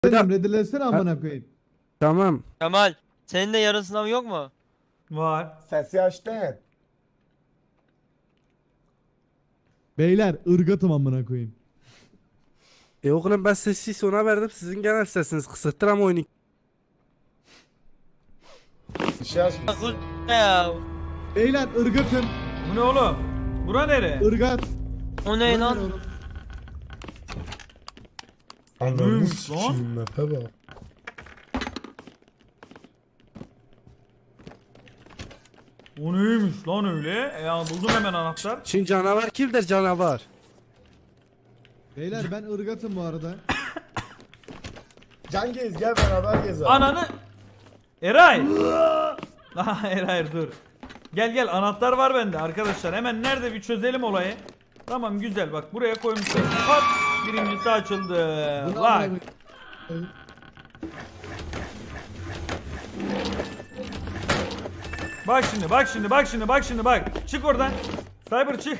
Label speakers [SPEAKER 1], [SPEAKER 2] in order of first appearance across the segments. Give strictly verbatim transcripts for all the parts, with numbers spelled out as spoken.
[SPEAKER 1] Benim redilesene amına koyayım.
[SPEAKER 2] Tamam.
[SPEAKER 3] Kemal, senin de yarın sınavı yok mu?
[SPEAKER 4] Var.
[SPEAKER 5] Sesi açtın.
[SPEAKER 1] Beyler ırgatım amına koyayım.
[SPEAKER 2] E oğlum ben sesi sona verdim. Sizin genel sesiniz kısıktır ama oyunu.
[SPEAKER 5] Bir şey açmış.
[SPEAKER 3] Akıl ne ya?
[SPEAKER 1] Beyler ırgatım.
[SPEAKER 4] Bu ne oğlum? Bura nere?
[SPEAKER 1] Irgat.
[SPEAKER 3] O ne lan?
[SPEAKER 5] Ananı
[SPEAKER 4] Neymiş
[SPEAKER 5] sikiyim mepe bak.
[SPEAKER 4] O neymiş lan öyle? E ya buldum hemen anahtar.
[SPEAKER 2] Şimdi canavar kimdir canavar?
[SPEAKER 1] Beyler ben ırgatım bu arada.
[SPEAKER 5] Can Gez gel beraber gezelim.
[SPEAKER 4] Ananı... Eray! Aha Eray dur. Gel gel anahtar var bende arkadaşlar. Hemen nerede bir çözelim olayı. Tamam güzel bak buraya koymuşlar. Hop! Birincisi açıldı.
[SPEAKER 1] Bu ne
[SPEAKER 4] Bak.
[SPEAKER 1] amına koyayım?
[SPEAKER 4] Bak şimdi bak şimdi bak şimdi bak şimdi bak. Çık oradan. Cyber çık.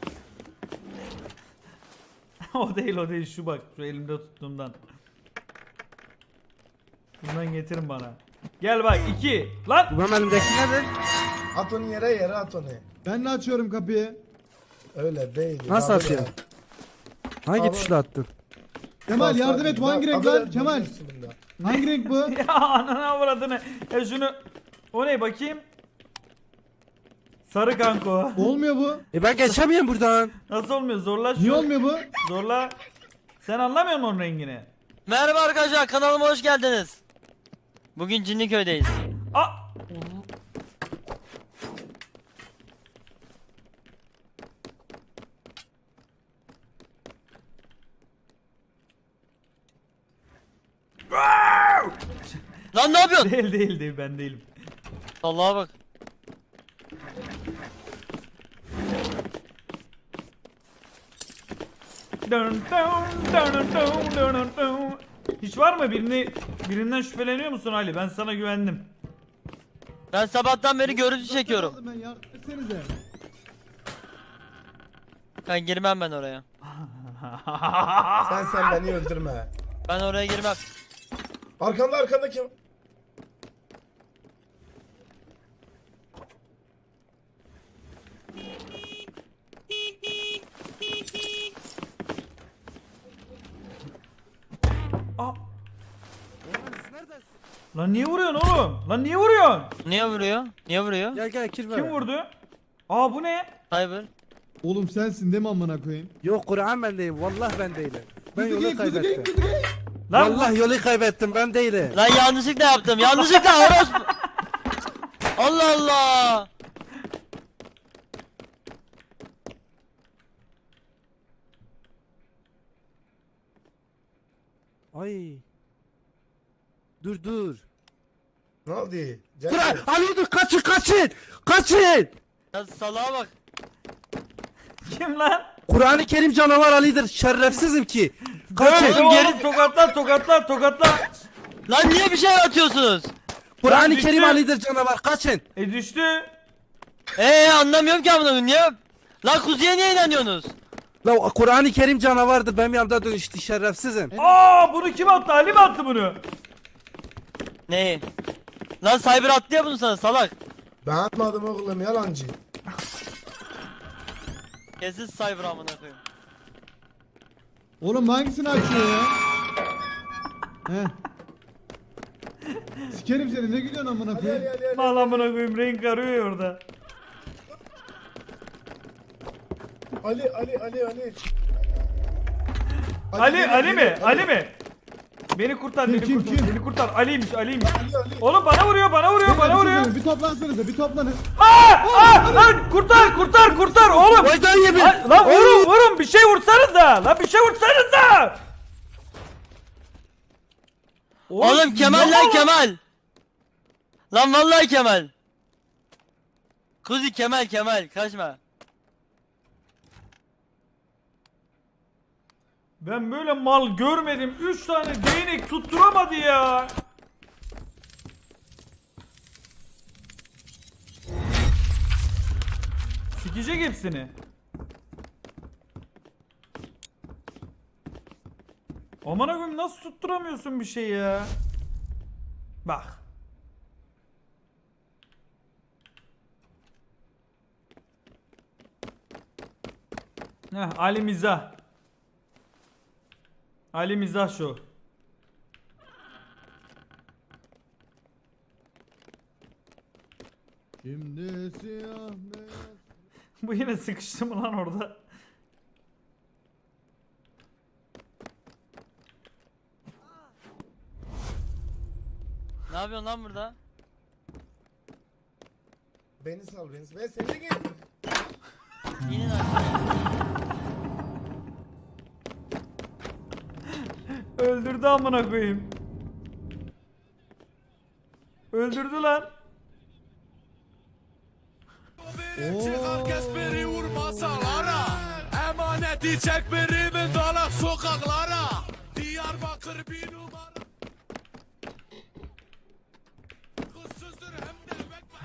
[SPEAKER 4] O değil o değil şu bak şu elimde tuttuğumdan. Bundan getirin bana. Gel bak iki. Lan.
[SPEAKER 2] Bu benim elimdeki nedir?
[SPEAKER 5] At onu yere yere at onu.
[SPEAKER 1] Ben de açıyorum kapıyı.
[SPEAKER 5] Öyle değil.
[SPEAKER 2] Nasıl
[SPEAKER 5] Abi
[SPEAKER 2] atıyorsun?
[SPEAKER 5] ya.
[SPEAKER 2] Hangi
[SPEAKER 5] Abi.
[SPEAKER 2] tuşla attın?
[SPEAKER 1] Kemal yardım et, bu hangi renk lan?
[SPEAKER 5] Abi,
[SPEAKER 1] Kemal.
[SPEAKER 5] üstünde.
[SPEAKER 1] Hangi renk bu?
[SPEAKER 4] Ya anana avradını. Ya şunu. O ne bakayım? Sarı kanko.
[SPEAKER 1] Olmuyor bu.
[SPEAKER 2] E ben geçemiyorum buradan.
[SPEAKER 4] Nasıl olmuyor? Zorla şunu.
[SPEAKER 1] Niye olmuyor bu?
[SPEAKER 4] Zorla. Sen anlamıyor musun onun rengini?
[SPEAKER 3] Merhaba arkadaşlar, kanalıma hoş geldiniz. Bugün Cinliköy'deyiz.
[SPEAKER 4] Aa!
[SPEAKER 3] Lan ne yapıyorsun?
[SPEAKER 4] Değil değil değil ben değilim.
[SPEAKER 3] Allah'a bak.
[SPEAKER 4] Dun dun dun dun dun dun dun. Hiç var mı birini birinden şüpheleniyor musun Ali? Ben sana güvendim.
[SPEAKER 3] Ben sabahtan beri görüntü çekiyorum.
[SPEAKER 1] Ben yardım etsenize.
[SPEAKER 3] Ben girmem ben oraya.
[SPEAKER 5] Sen sen beni öldürme.
[SPEAKER 3] Ben oraya girmem.
[SPEAKER 5] Arkanda arkanda kim?
[SPEAKER 4] Aa! Lan niye vuruyorsun oğlum? Lan niye vuruyorsun?
[SPEAKER 3] Niye vuruyor? Niye vuruyor?
[SPEAKER 2] Gel gel kirve.
[SPEAKER 4] Kim vurdu? Aa bu ne?
[SPEAKER 3] Cyber.
[SPEAKER 1] Oğlum sensin değil mi amına koyayım?
[SPEAKER 2] Yok Kur'an ben değilim. Vallahi ben değilim. Ben
[SPEAKER 1] Kuzu
[SPEAKER 2] yolu
[SPEAKER 1] geyik, kuzu geyik,
[SPEAKER 2] kaybettim.
[SPEAKER 1] kuzu geyik.
[SPEAKER 4] Lan
[SPEAKER 2] Vallahi yolu kaybettim ben değilim.
[SPEAKER 3] Lan yanlışlıkla yaptım. Yanlışlıkla orospu. Allah Allah.
[SPEAKER 2] Ay. Dur dur.
[SPEAKER 5] Ne oldu? Can
[SPEAKER 2] Kur'an
[SPEAKER 5] Gez.
[SPEAKER 2] Ali dur kaçın kaçın. Kaçın.
[SPEAKER 3] Ya salağa bak.
[SPEAKER 4] kim lan?
[SPEAKER 2] Kur'an-ı Kerim canavar Ali'dir. Şerefsizim ki.
[SPEAKER 4] Dön
[SPEAKER 2] Kaçın.
[SPEAKER 4] oğlum
[SPEAKER 3] geri-
[SPEAKER 4] tokatla tokatla tokatla.
[SPEAKER 3] Lan niye bir şey atıyorsunuz?
[SPEAKER 2] Kur'an-ı
[SPEAKER 4] düştü.
[SPEAKER 2] Kerim Ali'dir canavar. Kaçın.
[SPEAKER 4] E düştü.
[SPEAKER 3] Eee anlamıyorum ki amına niye? Lan kuzuya niye inanıyorsunuz?
[SPEAKER 2] La Kur'an-ı Kerim canavardır. Benim yanımda dönüştü şerefsizim.
[SPEAKER 4] Aa bunu kim attı? Ali mi attı bunu?
[SPEAKER 3] Neyi? Lan Cyber attı ya bunu sana salak.
[SPEAKER 5] Ben atmadım oğlum yalancı.
[SPEAKER 3] Kesin Cyber amına koyayım.
[SPEAKER 1] Oğlum hangisini açıyor ya? He. Sikerim seni, ne gülüyorsun amına
[SPEAKER 5] Ali
[SPEAKER 1] koyayım?
[SPEAKER 5] Ali Ali Ali.
[SPEAKER 4] Bağlamına koyayım renk arıyor orada.
[SPEAKER 5] Ali Ali Ali Ali.
[SPEAKER 4] Ali
[SPEAKER 5] geliyor,
[SPEAKER 4] Ali mi?
[SPEAKER 5] geliyor,
[SPEAKER 4] Ali mi? Beni kurtar
[SPEAKER 1] Kim,
[SPEAKER 4] beni
[SPEAKER 1] kim,
[SPEAKER 4] kurtar
[SPEAKER 1] kim?
[SPEAKER 4] beni kurtar. Ali'ymiş Ali'ymiş.
[SPEAKER 5] Ali Ali.
[SPEAKER 4] Oğlum bana vuruyor bana vuruyor
[SPEAKER 1] Beyler,
[SPEAKER 4] bana
[SPEAKER 1] bir şey
[SPEAKER 4] vuruyor.
[SPEAKER 1] söyleyeyim, Bir toplansanıza, bir toplanın.
[SPEAKER 4] Aa! Aa! Lan kurtar kurtar kurtar oğlum.
[SPEAKER 2] Oydan yemin.
[SPEAKER 4] Lan, lan vurun vurun bir şey vursanız da. Lan bir şey vursanız da.
[SPEAKER 3] Oğlum Kemal lan Kemal. Lan vallahi Kemal. Kuzi Kemal Kemal kaçma.
[SPEAKER 4] Ben böyle mal görmedim. Üç tane değnek tutturamadı ya. Sikecek hepsini. Aman koyayım nasıl tutturamıyorsun bir şey ya? Bak. Heh, Ali Mizah. Ali Mizah şu.
[SPEAKER 1] Şimdi siyah beyaz.
[SPEAKER 4] Bu yine sıkıştı mı lan orada?
[SPEAKER 3] Ne yapıyorsun lan burada?
[SPEAKER 5] Beni sal beni sal. Ben seni de gel.
[SPEAKER 3] İnin aşağıya.
[SPEAKER 4] Öldürdü amına koyayım. Öldürdü lan.
[SPEAKER 1] Oo.
[SPEAKER 6] Biri vurma salara Emaneti çek birimin dalak sokaklara Diyarbakır bir numara Kızsızdır hem de bekme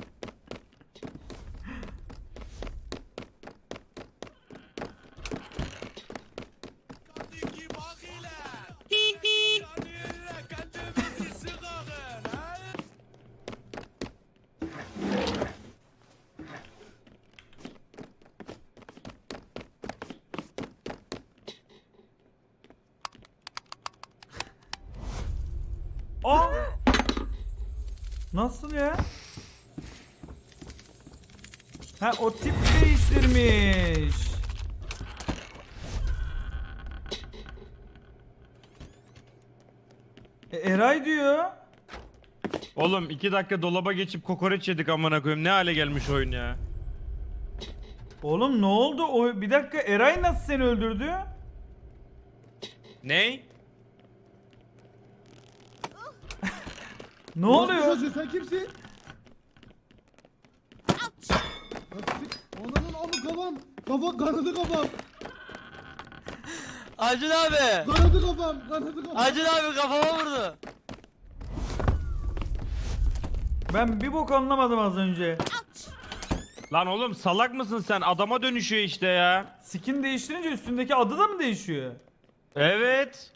[SPEAKER 6] Kadiki bak ile Yani ile kendimizi sıkağın he?
[SPEAKER 4] Aa! Nasıl ya? Ha o tip değiştirmiş. E, Eray diyor.
[SPEAKER 7] Oğlum iki dakika dolaba geçip kokoreç yedik amına koyayım. Ne hale gelmiş oyun ya.
[SPEAKER 4] Oğlum ne oldu? O bir dakika Eray nasıl seni öldürdü?
[SPEAKER 7] Ney?
[SPEAKER 4] Ne
[SPEAKER 1] Nasıl
[SPEAKER 4] oluyor?
[SPEAKER 1] çocuğu, sen kimsin? Nasıl? Ananın amı kafam. Kafa kanadı kafam.
[SPEAKER 3] Acun abi.
[SPEAKER 1] Kanadı kafam. Kanadı kafam.
[SPEAKER 3] Acun abi kafama vurdu.
[SPEAKER 4] Ben bir bok anlamadım az önce.
[SPEAKER 7] Lan oğlum salak mısın sen? Adama dönüşüyor işte ya.
[SPEAKER 4] Skin değiştirince üstündeki adı da mı değişiyor?
[SPEAKER 7] Evet.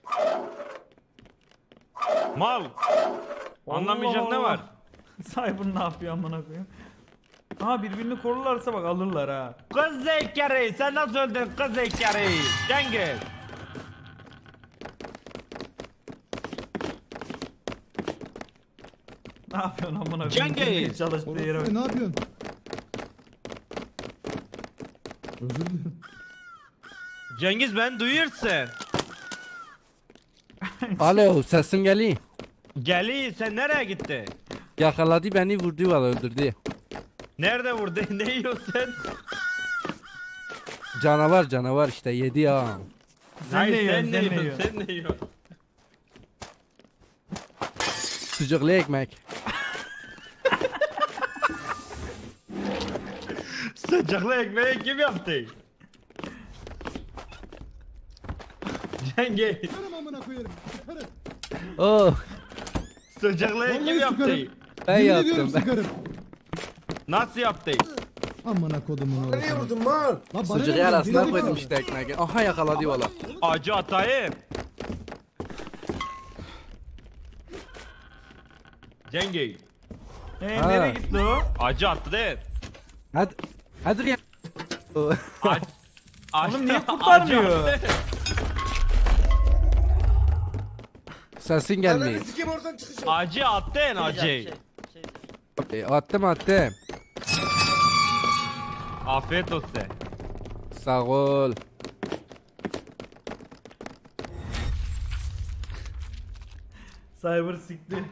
[SPEAKER 7] Mal. Anlamayacak
[SPEAKER 4] Allah
[SPEAKER 7] ne var?
[SPEAKER 4] Allah. Cyber ne yapıyor amına koyayım? Ha birbirini korurlarsa bak alırlar ha.
[SPEAKER 7] Kız zekeri sen nasıl öldün kız zekeri? Cengiz.
[SPEAKER 4] Ne yapıyorsun amına koyayım?
[SPEAKER 7] Cengiz!
[SPEAKER 4] Girmeye çalıştığı yere bak.
[SPEAKER 1] Orası, ne yapıyorsun? Özür dilerim.
[SPEAKER 7] Cengiz ben duyuyorsun.
[SPEAKER 2] Alo sesim geliyor.
[SPEAKER 7] Geli sen nereye gitti?
[SPEAKER 2] Yakaladı beni vurdu valla öldürdü.
[SPEAKER 7] Nerede vurdu? Ne yiyorsun sen?
[SPEAKER 2] Canavar canavar işte yedi ya.
[SPEAKER 4] Sen
[SPEAKER 7] Hayır,
[SPEAKER 4] ne yiyorsun?
[SPEAKER 7] sen ne
[SPEAKER 4] Sen ne
[SPEAKER 7] yiyorsun?
[SPEAKER 4] yiyorsun?
[SPEAKER 7] Sen ne yiyorsun?
[SPEAKER 2] Sucuklu ekmek.
[SPEAKER 7] Sıcaklı ekmeği kim yaptı? Cengiz.
[SPEAKER 1] Sıkarım amına koyarım. Sıkarım.
[SPEAKER 2] Oh
[SPEAKER 7] Sıcaklı kim
[SPEAKER 1] Vallahi
[SPEAKER 7] yaptı?
[SPEAKER 1] sıkarım.
[SPEAKER 2] ben
[SPEAKER 1] Yemin
[SPEAKER 2] yaptım
[SPEAKER 1] ediyorum
[SPEAKER 2] ben.
[SPEAKER 1] sıkarım.
[SPEAKER 7] Nasıl yaptı?
[SPEAKER 1] Amına kodumun
[SPEAKER 5] Nereye
[SPEAKER 1] orası.
[SPEAKER 5] vurdun mal?
[SPEAKER 1] Lan bana
[SPEAKER 2] Sucuğu
[SPEAKER 1] ne
[SPEAKER 2] arasına
[SPEAKER 1] diyorsun?
[SPEAKER 2] koydum işte ekmeği. Aha yakaladı valla.
[SPEAKER 7] Acı atayım. Cengiz.
[SPEAKER 4] Ee,
[SPEAKER 2] Ha.
[SPEAKER 4] nereye gitti o?
[SPEAKER 7] Acı attı değil.
[SPEAKER 2] Hadi. Hadi gel. Oh.
[SPEAKER 7] Ac acı-
[SPEAKER 4] Oğlum niye
[SPEAKER 7] acı
[SPEAKER 4] kurtarmıyor?
[SPEAKER 7] attı.
[SPEAKER 2] Sesin
[SPEAKER 5] Ananı
[SPEAKER 2] gelmiyor.
[SPEAKER 5] sikeyim oradan çıkacağım.
[SPEAKER 7] Acı attın
[SPEAKER 3] Şey,
[SPEAKER 7] acı.
[SPEAKER 3] şey, şey.
[SPEAKER 2] E, attım attım.
[SPEAKER 7] Afiyet olsun.
[SPEAKER 2] Sağ ol.
[SPEAKER 4] Cyber sikti.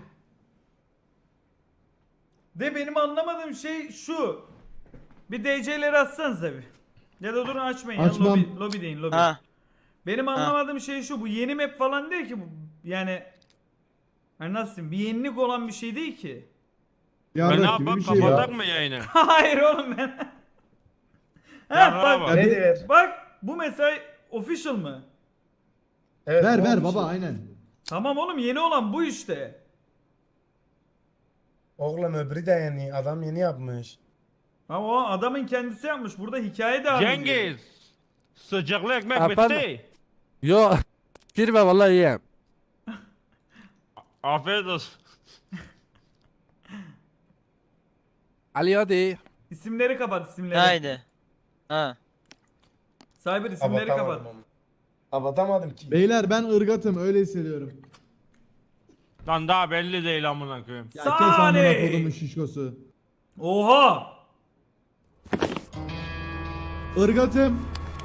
[SPEAKER 4] De benim anlamadığım şey şu. Bir D C'leri atsanıza bir. Ya da durun açmayın. Ya,
[SPEAKER 1] Açmam.
[SPEAKER 4] lobi, lobi deyin lobi.
[SPEAKER 3] Ha.
[SPEAKER 4] Benim anlamadığım şey şu. Bu yeni map falan değil ki bu. Yani hani nasıl diyeyim? Bir yenilik olan bir şey değil ki.
[SPEAKER 1] Yarrak
[SPEAKER 7] Ben ne
[SPEAKER 1] gibi
[SPEAKER 7] yapayım
[SPEAKER 1] bir şey ya.
[SPEAKER 7] kapatak mı yayını?
[SPEAKER 4] Hayır oğlum ben.
[SPEAKER 7] Ya
[SPEAKER 4] ha, bak,
[SPEAKER 7] bak.
[SPEAKER 5] Ne diyor?
[SPEAKER 4] bak bu mesela official mı?
[SPEAKER 5] Evet,
[SPEAKER 1] Ver
[SPEAKER 5] ne
[SPEAKER 1] ver
[SPEAKER 5] olmuş
[SPEAKER 1] baba
[SPEAKER 5] ya?
[SPEAKER 1] aynen.
[SPEAKER 4] Tamam oğlum yeni olan bu işte.
[SPEAKER 5] Oğlum öbürü de yeni. Adam yeni yapmış.
[SPEAKER 4] Ama o adamın kendisi yapmış. Burada hikaye devam ediyor.
[SPEAKER 7] Cengiz. Sıcaklı ekmek
[SPEAKER 2] Efendim?
[SPEAKER 7] bitti.
[SPEAKER 2] Yo. Girme vallahi yiyem.
[SPEAKER 7] Afiyet olsun.
[SPEAKER 2] Ali hadi.
[SPEAKER 4] İsimleri kapat isimleri.
[SPEAKER 3] Haydi. Ha.
[SPEAKER 4] Cyber isimleri kapat.
[SPEAKER 5] Abatamadım ama. Abatamadım ki.
[SPEAKER 1] Beyler ben ırgatım öyle hissediyorum.
[SPEAKER 7] Lan daha belli değil amına koyayım.
[SPEAKER 1] Ya kes amına
[SPEAKER 4] Sani.
[SPEAKER 1] kodumun şişkosu.
[SPEAKER 4] Oha.
[SPEAKER 1] Irgatım.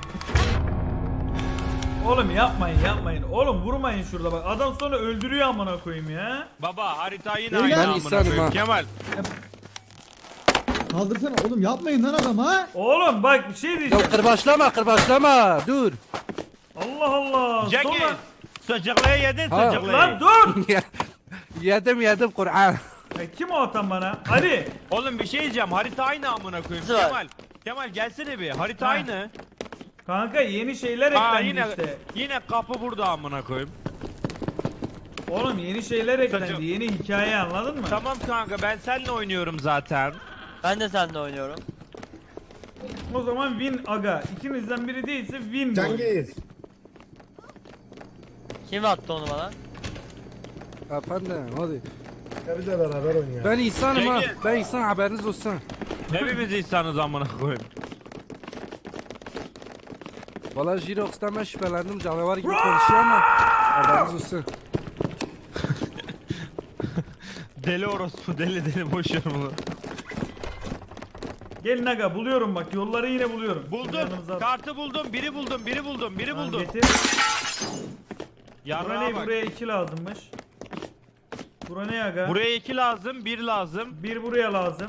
[SPEAKER 4] Oğlum yapmayın yapmayın. Oğlum vurmayın şurada bak. Adam sonra öldürüyor amına koyayım ya.
[SPEAKER 7] Baba harita yine
[SPEAKER 1] Beyler,
[SPEAKER 7] aynı
[SPEAKER 2] ben
[SPEAKER 7] amına
[SPEAKER 2] insanım
[SPEAKER 7] koyayım.
[SPEAKER 2] ha.
[SPEAKER 7] Kemal.
[SPEAKER 1] Kaldırsana oğlum yapmayın lan adam ha.
[SPEAKER 4] Oğlum bak bir şey
[SPEAKER 2] Ya
[SPEAKER 4] diyeceğim.
[SPEAKER 2] kırbaçlama kırbaçlama. Dur.
[SPEAKER 4] Allah Allah.
[SPEAKER 7] Cengiz.
[SPEAKER 4] Sonra...
[SPEAKER 7] Sıcaklığı yedin
[SPEAKER 2] Ha.
[SPEAKER 7] sıcaklığı.
[SPEAKER 4] Lan dur.
[SPEAKER 2] yedim yedim Kur'an.
[SPEAKER 4] Ya kim o atan bana? Ali.
[SPEAKER 7] Oğlum bir şey diyeceğim. Harita aynı amına koyayım.
[SPEAKER 3] Nasıl var?
[SPEAKER 7] Kemal. Kemal gelsene bir. Harita
[SPEAKER 4] Ha.
[SPEAKER 7] aynı.
[SPEAKER 4] Kanka yeni şeyler
[SPEAKER 7] Aa
[SPEAKER 4] eklendi
[SPEAKER 7] yine
[SPEAKER 4] işte.
[SPEAKER 7] yine kapı burada amına koyayım.
[SPEAKER 4] Oğlum yeni şeyler eklendi.
[SPEAKER 7] Saçım.
[SPEAKER 4] Yeni hikaye anladın mı?
[SPEAKER 7] Tamam kanka ben seninle oynuyorum zaten.
[SPEAKER 3] Ben de seninle oynuyorum.
[SPEAKER 4] O zaman win aga. İkinizden biri değilse win bu.
[SPEAKER 5] Cengiz.
[SPEAKER 3] Kim attı onu bana?
[SPEAKER 2] Efendim hadi.
[SPEAKER 5] Ya biz de beraber oynayalım.
[SPEAKER 2] Ben insanım ha.
[SPEAKER 7] Cengiz.
[SPEAKER 2] Ben insan haberiniz olsun.
[SPEAKER 7] Hepimiz insanız amına koyayım.
[SPEAKER 2] Valla Jirox'tan ben şüphelendim canavar gibi konuşuyor ama haberiniz olsun.
[SPEAKER 7] Deli orospu deli deli boş ver bunu.
[SPEAKER 4] Gelin aga buluyorum bak yolları yine buluyorum.
[SPEAKER 7] Buldum.
[SPEAKER 4] Yanımıza-
[SPEAKER 7] Kartı buldum. Biri buldum. Biri buldum. Biri
[SPEAKER 4] Tamam,
[SPEAKER 7] buldum.
[SPEAKER 4] getir. Bura
[SPEAKER 7] Yarrağa
[SPEAKER 4] ne?
[SPEAKER 7] bak.
[SPEAKER 4] Buraya iki lazımmış. Bura ne aga?
[SPEAKER 7] Buraya iki lazım. Bir lazım.
[SPEAKER 4] Bir buraya lazım.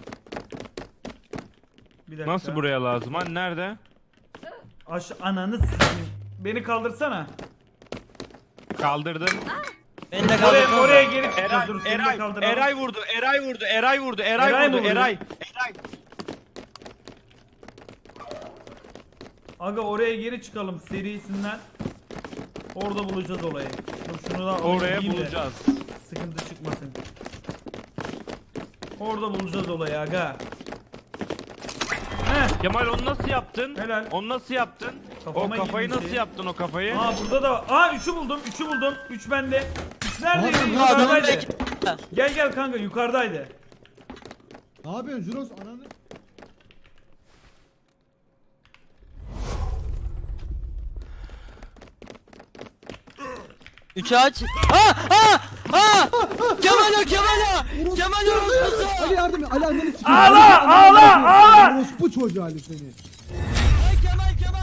[SPEAKER 4] Bir dakika.
[SPEAKER 7] Nasıl buraya lazım? Hani nerede?
[SPEAKER 4] Aş ananı s**eyim. Beni kaldırsana.
[SPEAKER 7] Kaldırdım.
[SPEAKER 3] Beni de
[SPEAKER 4] Oraya,
[SPEAKER 3] kaldırdın.
[SPEAKER 4] oraya geri
[SPEAKER 7] Eray,
[SPEAKER 4] çıkacağız. Dur, seni de
[SPEAKER 7] Eray,
[SPEAKER 4] kaldıralım.
[SPEAKER 7] Eray vurdu. Eray vurdu. Eray vurdu. Eray,
[SPEAKER 4] Eray mı
[SPEAKER 7] vurdu.
[SPEAKER 4] vurdu?
[SPEAKER 7] Eray. Eray.
[SPEAKER 4] Aga oraya geri çıkalım serisinden. Orada bulacağız olayı. Dur şunu da alayım,
[SPEAKER 7] Oraya
[SPEAKER 4] yiyeyim de
[SPEAKER 7] bulacağız.
[SPEAKER 4] Sıkıntı çıkmasın. Orada bulacağız olayı aga. Heh.
[SPEAKER 7] Kemal onu nasıl yaptın?
[SPEAKER 4] Helal.
[SPEAKER 7] Onu nasıl yaptın?
[SPEAKER 4] Kafama
[SPEAKER 7] o kafayı
[SPEAKER 4] girdi bir
[SPEAKER 7] nasıl
[SPEAKER 4] şey.
[SPEAKER 7] yaptın o kafayı?
[SPEAKER 4] Aa burada da var. Aa üçü buldum. Üçü buldum. Üç bende. Üç neredeydi?
[SPEAKER 1] Abi,
[SPEAKER 3] Bu adamın
[SPEAKER 4] Yukarıdaydı.
[SPEAKER 3] belki...
[SPEAKER 4] Gel gel kanka yukarıdaydı.
[SPEAKER 1] Ne yapıyorsun Juros ananı?
[SPEAKER 3] Üçü aç. Ha ha ha! Kemal o Kemal o! Kemal o orospusu!
[SPEAKER 1] Ali yardım et. Ali anneni sikeyim.
[SPEAKER 4] Ağla,
[SPEAKER 1] Ali,
[SPEAKER 4] ağla,
[SPEAKER 1] anneni
[SPEAKER 4] ağla!
[SPEAKER 1] sikeyim. Orospu çocuğu Ali seni.
[SPEAKER 3] Ay Kemal Kemal!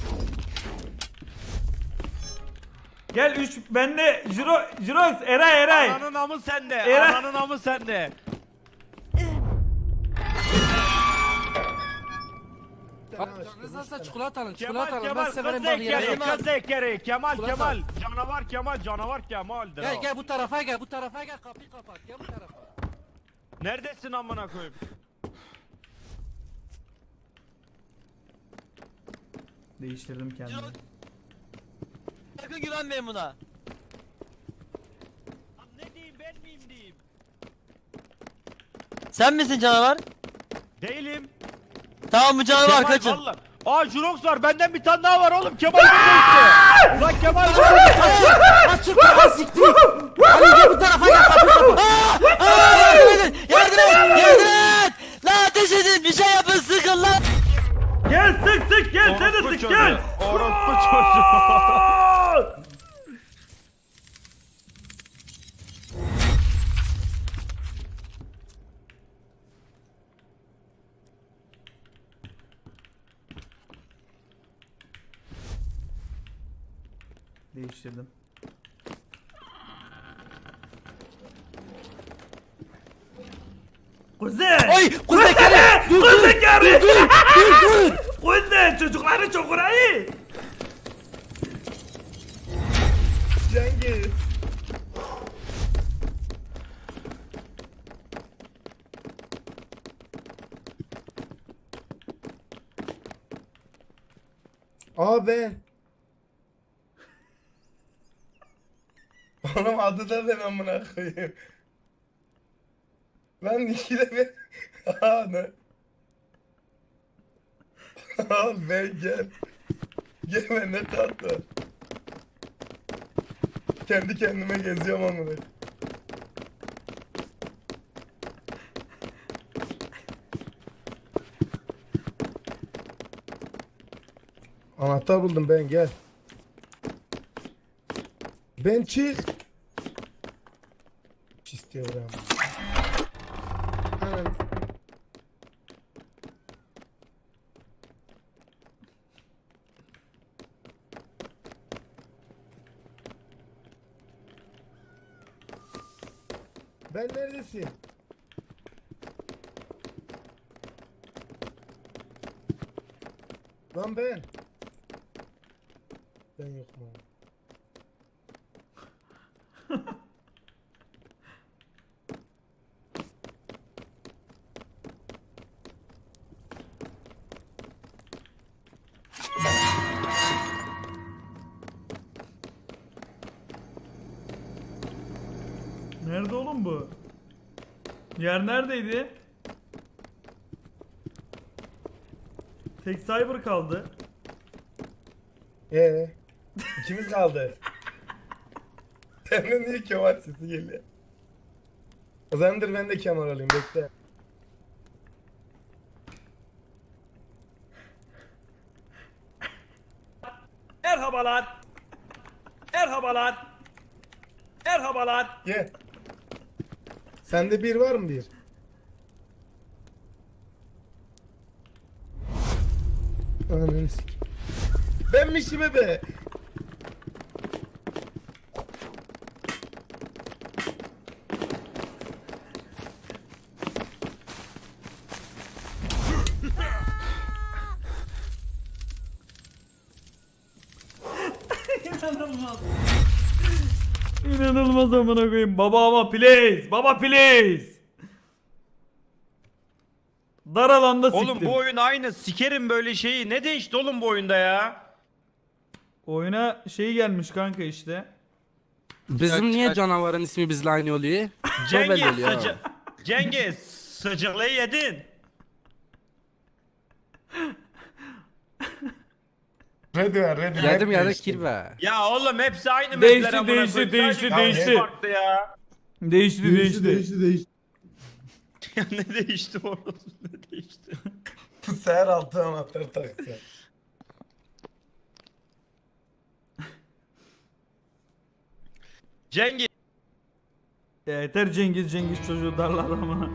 [SPEAKER 4] Gel üç bende. Jiro, Jirox, Eray, Eray.
[SPEAKER 7] Ananın amı sende.
[SPEAKER 4] Eray.
[SPEAKER 7] Ananın amı sende.
[SPEAKER 2] Canınız nasıl çikolata alın
[SPEAKER 7] Kemal
[SPEAKER 2] çikolata alın. Ben
[SPEAKER 7] Kemal
[SPEAKER 2] severim
[SPEAKER 7] kız
[SPEAKER 2] bak
[SPEAKER 7] zekeri
[SPEAKER 2] yerim.
[SPEAKER 7] kız zekeri Kemal
[SPEAKER 2] Ulan
[SPEAKER 7] Kemal canavar Kemal canavar Kemal'dir
[SPEAKER 2] Gel
[SPEAKER 7] o.
[SPEAKER 2] gel bu tarafa gel bu tarafa gel kapıyı kapat gel bu tarafa.
[SPEAKER 7] Neredesin amına koyayım?
[SPEAKER 4] Değiştirdim kendimi.
[SPEAKER 3] Sakın güvenmeyin buna.
[SPEAKER 7] Lan ne diyeyim ben miyim diyeyim?
[SPEAKER 3] Sen misin canavar?
[SPEAKER 7] Değilim.
[SPEAKER 3] Tamam bu canavar
[SPEAKER 7] Kemal
[SPEAKER 3] kaçın.
[SPEAKER 7] valla. Aa Jurox var benden bir tane daha var oğlum Kemal burada işte. Lan Kemal burada.
[SPEAKER 2] Açık kapat siktir. Ali gel bu tarafa gel kapıyı kapat.
[SPEAKER 3] Aa, yardım edin! Yardım et! Yardım et! La ateş edin! Bir şey yapın sıkın lan!
[SPEAKER 4] Gel sık sık gel sen de
[SPEAKER 7] Orospu
[SPEAKER 4] sık
[SPEAKER 7] çocuğu.
[SPEAKER 4] gel.
[SPEAKER 7] Orospu çocuğu.
[SPEAKER 4] Değiştirdim. Kuzey!
[SPEAKER 3] Oy! Kuzey gel!
[SPEAKER 4] Dur Kuzey gel! Dur dur dur! Kuzey çocukları çok uğrayı!
[SPEAKER 5] Cengiz. Abi. Oğlum adı da ben amına koyayım. Lan ikide ben... Aa ne? Al ben gel. Gel ben ne tatlı. Kendi kendime geziyorum amına. Anahtar buldum ben, gel. Ben çık. İstiyorum. Hemen. Ben neredesin? Lan ben. Ben yok mu?
[SPEAKER 4] Nerede oğlum bu? Yer neredeydi? Tek cyber kaldı.
[SPEAKER 5] Ee, ikimiz kaldı. Senden niye Kemal sesi geliyor? O zamandır ben de Kemal alayım, bekle.
[SPEAKER 6] Merhabalar. Merhabalar. Merhabalar.
[SPEAKER 5] Gel. Sende bir var mı bir? Ananı sik. Benmişim be.
[SPEAKER 4] İnanılmaz. İnanılmaz amına koyayım. Baba ama please. Baba please. Dar alanda siktim.
[SPEAKER 7] Oğlum bu oyun aynı. Sikerim böyle şeyi. Ne değişti oğlum bu oyunda ya?
[SPEAKER 4] Oyuna şey gelmiş kanka işte.
[SPEAKER 2] Bizim niye canavarın ismi bizle aynı oluyor?
[SPEAKER 7] Cengiz
[SPEAKER 2] Nobel oluyor.
[SPEAKER 7] sıca... Cengiz sıcaklığı yedin.
[SPEAKER 5] Ready ver, ready.
[SPEAKER 2] Geldim
[SPEAKER 5] Hep
[SPEAKER 2] ya da
[SPEAKER 5] değişti.
[SPEAKER 2] kirve.
[SPEAKER 7] Ya oğlum hepsi aynı
[SPEAKER 4] Değişti,
[SPEAKER 7] mapler amına
[SPEAKER 4] değişti,
[SPEAKER 7] koyayım.
[SPEAKER 4] değişti,
[SPEAKER 7] Sadece
[SPEAKER 5] değişti.
[SPEAKER 7] hepsi farklı ya.
[SPEAKER 4] Değişti değişti.
[SPEAKER 1] Değişti değişti değişti.
[SPEAKER 7] Ya ne değişti oğlum? Ne değişti?
[SPEAKER 5] Seher altı anahtarı taktı.
[SPEAKER 7] Cengiz.
[SPEAKER 4] Ya yeter Cengiz Cengiz çocuğu darlar ama.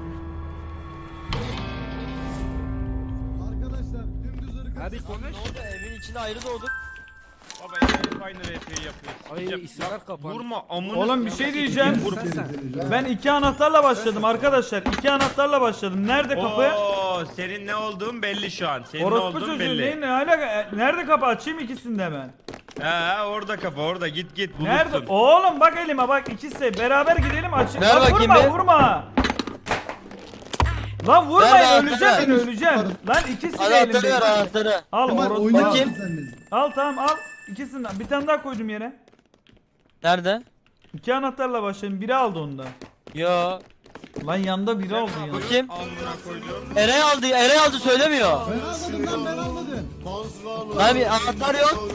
[SPEAKER 1] Arkadaşlar dümdüz ırkı.
[SPEAKER 2] Hadi konuş.
[SPEAKER 3] Ne oldu? Evin içinde ayrı doğduk.
[SPEAKER 7] Baba hep aynı R P'yi yapıyorsun.
[SPEAKER 2] Ay
[SPEAKER 7] Ya-
[SPEAKER 2] isimler kapandı.
[SPEAKER 7] Vurma amına.
[SPEAKER 4] Oğlum bir şey diyeceğim.
[SPEAKER 2] Sen sen.
[SPEAKER 4] Ben iki anahtarla başladım arkadaşlar. İki anahtarla başladım. Nerede kapı?
[SPEAKER 7] Oo, senin ne olduğun belli şu an. Senin ne
[SPEAKER 4] Orospu
[SPEAKER 7] olduğun
[SPEAKER 4] çocuğu
[SPEAKER 7] belli.
[SPEAKER 4] neyin ne alaka? E, Nerede kapı? Açayım ikisini de hemen.
[SPEAKER 7] Ha orada kafa orada git git bulursun.
[SPEAKER 4] Nerede? Oğlum bak elime bak ikisi. Beraber gidelim açayım.
[SPEAKER 3] Ver
[SPEAKER 4] Lan
[SPEAKER 3] bakayım
[SPEAKER 4] vurma
[SPEAKER 3] bir.
[SPEAKER 4] vurma. Lan vurmayın
[SPEAKER 3] Ver,
[SPEAKER 4] öleceğim
[SPEAKER 3] ver.
[SPEAKER 4] ben öleceğim. Lan ikisi de
[SPEAKER 3] Anahtarı ver
[SPEAKER 4] elimde.
[SPEAKER 3] anahtarı.
[SPEAKER 4] Al
[SPEAKER 1] Kemal
[SPEAKER 4] orospu.
[SPEAKER 1] oynar
[SPEAKER 4] Al.
[SPEAKER 3] Bakayım.
[SPEAKER 1] mısın sen de?
[SPEAKER 4] Al tamam al. İkisinden. Bir tane daha koydum yere.
[SPEAKER 3] Nerede?
[SPEAKER 4] İki anahtarla başladım. Biri aldı onu da.
[SPEAKER 3] Yo.
[SPEAKER 4] Lan yanda biri aldı ya.
[SPEAKER 3] Bakayım.
[SPEAKER 7] Amına koyduğum.
[SPEAKER 3] Eray aldı. Eray aldı söylemiyor.
[SPEAKER 1] Ben almadım lan ben almadım.
[SPEAKER 3] Lan bir anahtar yok.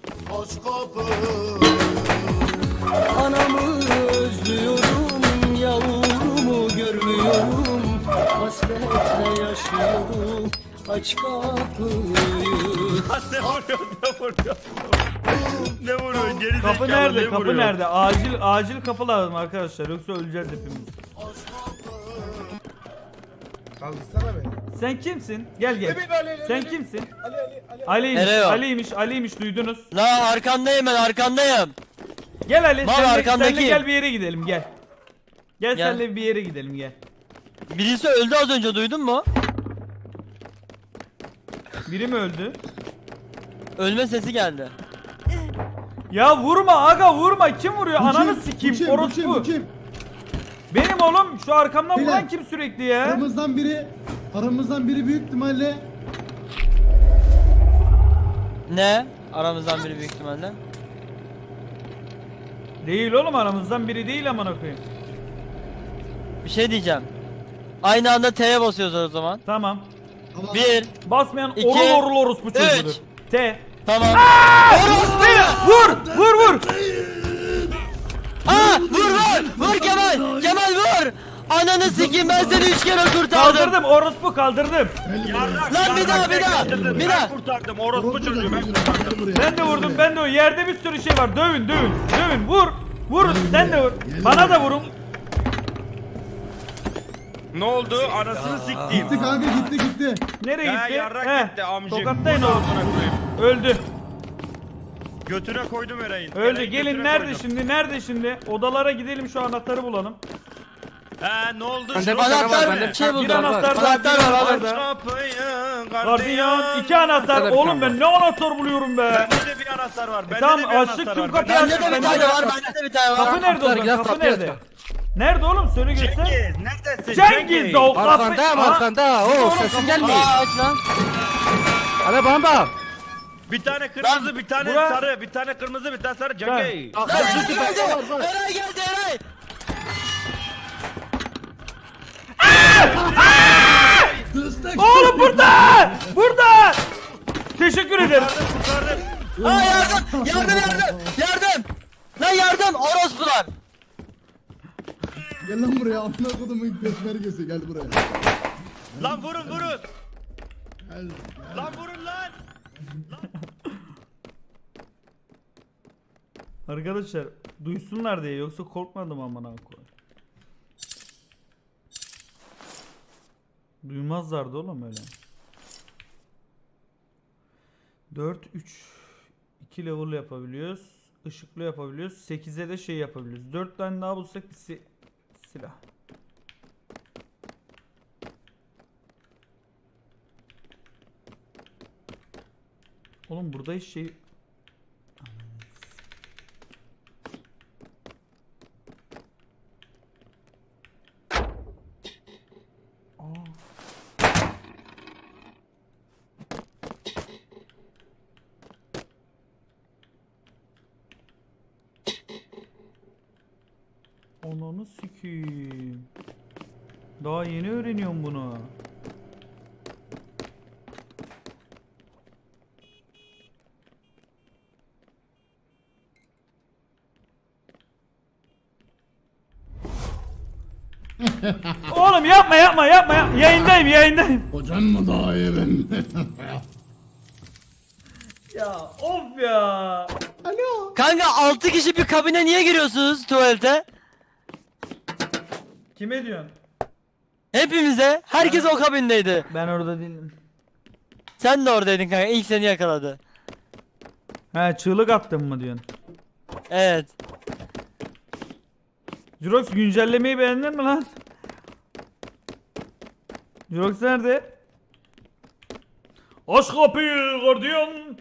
[SPEAKER 8] Anamı özlüyorum, yavrumu görmüyorum. Hasretle yaşıyorum, aç kapıyı.
[SPEAKER 7] ne vuruyor ne vuruyor. Ne vuruyor geri
[SPEAKER 4] Kapı
[SPEAKER 7] zekalı,
[SPEAKER 4] nerede?
[SPEAKER 7] ne
[SPEAKER 4] Kapı
[SPEAKER 7] vuruyor?
[SPEAKER 4] nerede? Acil acil kapı lazım arkadaşlar. Yoksa öleceğiz hepimiz.
[SPEAKER 5] Kaldırsana beni.
[SPEAKER 4] Sen kimsin? Gel gel.
[SPEAKER 5] Evet, Ali, Ali,
[SPEAKER 4] Sen
[SPEAKER 5] Ali.
[SPEAKER 4] kimsin?
[SPEAKER 5] Ali Ali Ali.
[SPEAKER 4] Ali'ymiş.
[SPEAKER 3] Nereye o?
[SPEAKER 4] Ali'ymiş. Ali'ymiş duydunuz.
[SPEAKER 3] La arkandayım ben arkandayım.
[SPEAKER 4] Gel Ali.
[SPEAKER 3] Mal
[SPEAKER 4] Senle,
[SPEAKER 3] arkandaki.
[SPEAKER 4] senle gel bir yere gidelim gel. Gel,
[SPEAKER 3] Gel.
[SPEAKER 4] senle bir yere gidelim gel.
[SPEAKER 3] Birisi öldü az önce duydun mu?
[SPEAKER 4] Biri mi öldü?
[SPEAKER 3] Ölme sesi geldi.
[SPEAKER 4] Ya vurma aga vurma. Kim vuruyor?
[SPEAKER 1] Bu
[SPEAKER 4] Ananı
[SPEAKER 1] kim?
[SPEAKER 4] sikeyim.
[SPEAKER 1] Bu kim? Bu kim?
[SPEAKER 4] Orospu.
[SPEAKER 1] Bu kim?
[SPEAKER 4] Benim oğlum. Şu arkamdan
[SPEAKER 1] Beyler.
[SPEAKER 4] vuran kim sürekli ya?
[SPEAKER 1] Aramızdan biri aramızdan biri büyük ihtimalle
[SPEAKER 3] Ne? Aramızdan biri büyük ihtimalle.
[SPEAKER 4] Değil oğlum aramızdan biri değil amına koyayım.
[SPEAKER 3] Bir şey diyeceğim. Aynı anda T'ye basıyoruz o zaman.
[SPEAKER 4] Tamam.
[SPEAKER 1] ama
[SPEAKER 3] Bir.
[SPEAKER 4] Basmayan
[SPEAKER 3] İki,
[SPEAKER 4] orul orul orospu çocuğudur.
[SPEAKER 3] üç.
[SPEAKER 4] T.
[SPEAKER 3] Tamam.
[SPEAKER 4] Vur! Vur vur!
[SPEAKER 3] vur vur vur Kemal Kemal vur. Ananı sikeyim ben seni üç kere kurtardım.
[SPEAKER 4] Kaldırdım orospu kaldırdım.
[SPEAKER 7] Yarrak,
[SPEAKER 3] Lan bir daha,
[SPEAKER 7] yarrak,
[SPEAKER 3] bir daha,
[SPEAKER 7] kurtardım,
[SPEAKER 3] bir
[SPEAKER 7] ben
[SPEAKER 3] daha.
[SPEAKER 7] kurtardım. Orospu çocuğu ben kurtardım.
[SPEAKER 4] Ben de vurdum ben de vurdum. Yerde bir sürü şey var. Dövün dövün. Dövün vur. Vurun sen de vur. Bana da vurun.
[SPEAKER 7] Ne oldu? Anasını siktiğim.
[SPEAKER 1] Gitti kanka gitti gitti.
[SPEAKER 4] Nereye
[SPEAKER 7] Ya
[SPEAKER 4] gitti?
[SPEAKER 7] yarrak
[SPEAKER 4] Heh,
[SPEAKER 7] gitti amcık.
[SPEAKER 4] Tokatlayın
[SPEAKER 7] Bunu
[SPEAKER 4] oğlum.
[SPEAKER 7] amına koyayım.
[SPEAKER 4] Öldü.
[SPEAKER 7] Götüne koydum Eray'ın.
[SPEAKER 4] Öldü.
[SPEAKER 7] Eray'ın
[SPEAKER 4] Gelin
[SPEAKER 7] götüne
[SPEAKER 4] nerede
[SPEAKER 7] koydum.
[SPEAKER 4] şimdi? Nerede şimdi? Odalara gidelim şu anahtarı bulalım.
[SPEAKER 7] He ne oldu?
[SPEAKER 2] Bende
[SPEAKER 7] Şurada
[SPEAKER 2] bir tane var,
[SPEAKER 3] Anahtar
[SPEAKER 2] bende
[SPEAKER 3] bir şey
[SPEAKER 4] Bir
[SPEAKER 3] buldum.
[SPEAKER 4] anahtar daha.
[SPEAKER 3] Anahtar
[SPEAKER 4] bir
[SPEAKER 3] var
[SPEAKER 4] anahtar
[SPEAKER 3] abi.
[SPEAKER 4] daha.
[SPEAKER 7] Kapıyı
[SPEAKER 4] Gardiyan iki anahtar.
[SPEAKER 2] Bende bir
[SPEAKER 4] Oğlum
[SPEAKER 2] tane
[SPEAKER 4] ben ne anahtar buluyorum be.
[SPEAKER 7] Bende de bir anahtar var. Bende
[SPEAKER 4] Tamam,
[SPEAKER 7] de bir
[SPEAKER 4] açtık
[SPEAKER 7] anahtar
[SPEAKER 4] tüm
[SPEAKER 7] var.
[SPEAKER 4] kapıyı
[SPEAKER 7] Bende
[SPEAKER 3] Bende de bir
[SPEAKER 4] Ben-
[SPEAKER 3] tane var. Bende de bir tane var.
[SPEAKER 4] Kapı nerede o
[SPEAKER 2] Anahtar,
[SPEAKER 4] zaman?
[SPEAKER 2] gel,
[SPEAKER 4] Kapı
[SPEAKER 2] kapıyı
[SPEAKER 4] nerede?
[SPEAKER 2] aç.
[SPEAKER 4] Nerede oğlum? Söyle göster.
[SPEAKER 7] Cengiz neredesin?
[SPEAKER 4] Cengiz de o kapı.
[SPEAKER 2] Arkandayım
[SPEAKER 4] Aha.
[SPEAKER 2] arkanda. Oo sesin gelmiyor.
[SPEAKER 3] Aa aç lan.
[SPEAKER 2] Hadi bana bak.
[SPEAKER 7] Bir tane kırmızı, bir tane
[SPEAKER 4] Bura-
[SPEAKER 7] sarı, bir tane kırmızı, bir tane sarı. Cengiz.
[SPEAKER 3] Lan Eray geldi. Eray geldi Eray.
[SPEAKER 4] Oğlum burada! Burada! Teşekkür ederim.
[SPEAKER 7] Kurtardım.
[SPEAKER 3] Aa yardım yardım yardım yardım. Lan yardım orospular.
[SPEAKER 1] Gel lan buraya amına kodumun peşmergesi gel buraya.
[SPEAKER 7] Lan vurun vurun.
[SPEAKER 1] Gel.
[SPEAKER 7] Lan vurun lan.
[SPEAKER 4] Arkadaşlar duysunlar diye yoksa korkmadım amına koyayım. Duymazlardı oğlum öyle. dört üç iki level yapabiliyoruz. Işıklı yapabiliyoruz. sekize de şey yapabiliyoruz. dört tane daha bulsak bir si silah. Oğlum burada hiç şey Ananı sikeyim. Daha yeni öğreniyorum bunu. Oğlum yapma yapma yapma yapma. Yayındayım yayındayım.
[SPEAKER 1] Hocan mı daha iyi ben?
[SPEAKER 4] Ya of ya.
[SPEAKER 1] Alo.
[SPEAKER 3] Kanka altı kişi bir kabine niye giriyorsunuz tuvalete?
[SPEAKER 4] Kime diyorsun?
[SPEAKER 3] Hepimize. Herkes o kabindeydi.
[SPEAKER 4] Ben orada değilim.
[SPEAKER 3] Sen de oradaydın kanka. İlk seni yakaladı.
[SPEAKER 4] He çığlık attın mı diyorsun?
[SPEAKER 3] Evet.
[SPEAKER 4] Jurox güncellemeyi beğendin mi lan? Jurox nerede? Aç kapıyı gardiyan.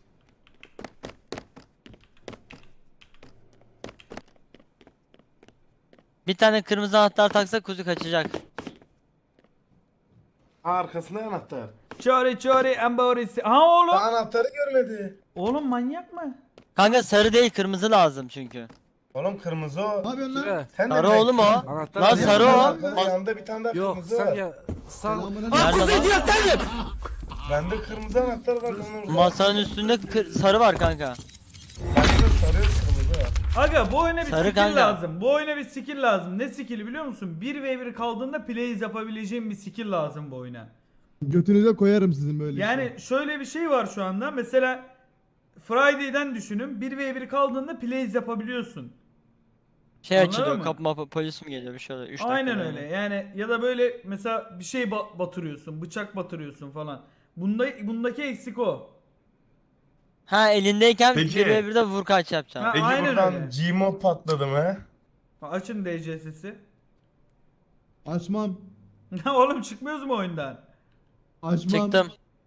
[SPEAKER 3] Bir tane kırmızı anahtar taksak kuzu kaçacak.
[SPEAKER 5] Arkasında anahtar.
[SPEAKER 4] Çare çare embaresi. Ha oğlum.
[SPEAKER 5] Anahtarı görmedi.
[SPEAKER 4] Oğlum manyak mı?
[SPEAKER 3] Kanka sarı değil kırmızı lazım çünkü.
[SPEAKER 5] Oğlum kırmızı o.
[SPEAKER 1] Ne yapıyorsun lan?
[SPEAKER 2] Şuraya.
[SPEAKER 5] Sen
[SPEAKER 3] Sarı
[SPEAKER 5] ne
[SPEAKER 3] oğlum o.
[SPEAKER 2] Anahtar
[SPEAKER 3] Lan
[SPEAKER 2] nerede?
[SPEAKER 3] sarı o.
[SPEAKER 5] Yanında, yanında bir tane daha
[SPEAKER 2] Yok
[SPEAKER 5] kırmızı
[SPEAKER 2] sen
[SPEAKER 5] var.
[SPEAKER 2] ya. Sağ.
[SPEAKER 1] Selamına
[SPEAKER 3] Nerede
[SPEAKER 1] gel.
[SPEAKER 3] lan? idiotlarım.
[SPEAKER 5] Bende kırmızı anahtar var. Onun orada.
[SPEAKER 3] Masanın üstünde kır- sarı var kanka.
[SPEAKER 5] Bende sarı kırmızı var.
[SPEAKER 4] Aga bu oyuna bir
[SPEAKER 3] Sarı
[SPEAKER 4] skill
[SPEAKER 3] kanka.
[SPEAKER 4] lazım. Bu oyuna bir skill lazım. Ne skill'i biliyor musun? bir ve bir kaldığında plays yapabileceğim bir skill lazım bu oyuna.
[SPEAKER 1] Götünüze koyarım sizin böyle.
[SPEAKER 4] Yani
[SPEAKER 1] işte.
[SPEAKER 4] şöyle bir şey var şu anda. Mesela Friday'den düşünün. bir ve bir kaldığında plays yapabiliyorsun.
[SPEAKER 3] Şey
[SPEAKER 4] Anladın
[SPEAKER 3] açılıyor
[SPEAKER 4] mı?
[SPEAKER 3] kapma polis mi geliyor bir şey oluyor. üç dakika
[SPEAKER 4] Aynen
[SPEAKER 3] böyle.
[SPEAKER 4] öyle. Yani ya da böyle mesela bir şey ba- batırıyorsun, bıçak batırıyorsun falan. Bunda bundaki eksik o.
[SPEAKER 3] Ha elindeyken
[SPEAKER 5] Peki.
[SPEAKER 3] bir ve birde vur kaç yapacaksın.
[SPEAKER 4] Ha,
[SPEAKER 5] Peki
[SPEAKER 4] aynen öyle.
[SPEAKER 5] buradan Gmod patladı mı?
[SPEAKER 4] Açın D C sesi.
[SPEAKER 1] Açmam.
[SPEAKER 4] Oğlum çıkmıyoruz mu oyundan?
[SPEAKER 1] Açmam.
[SPEAKER 3] Çıktım.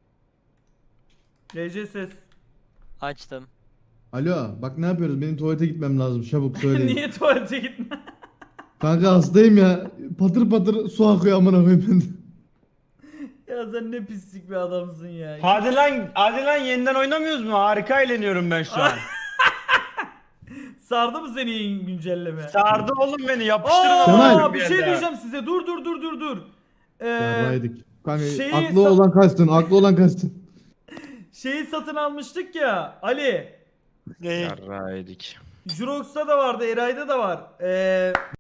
[SPEAKER 4] D C ses.
[SPEAKER 3] Açtım.
[SPEAKER 1] Alo bak ne yapıyoruz? Benim tuvalete gitmem lazım. Çabuk söyleyin.
[SPEAKER 4] Niye tuvalete gitme?
[SPEAKER 1] Kanka hastayım ya. Patır patır su akıyor amına koyayım ben.
[SPEAKER 4] Ya sen ne pislik bir adamsın ya.
[SPEAKER 7] Hadi lan, hadi lan yeniden oynamıyoruz mu? Harika eğleniyorum ben şu an.
[SPEAKER 4] Sardı mı seni yeni güncelleme?
[SPEAKER 7] Sardı oğlum beni, yapıştırın
[SPEAKER 4] Aa,
[SPEAKER 1] Kemal.
[SPEAKER 4] bir şey diyeceğim size. Dur dur dur dur dur. Ee,
[SPEAKER 1] Yarraydık. Kanka
[SPEAKER 4] şeyi
[SPEAKER 1] aklı
[SPEAKER 4] sa-
[SPEAKER 1] olan kaçsın. Aklı olan kaçsın.
[SPEAKER 4] şeyi satın almıştık ya Ali.
[SPEAKER 3] Ne?
[SPEAKER 7] Yarraydık.
[SPEAKER 4] Jurox'ta da vardı, Eray'da da var. Ee,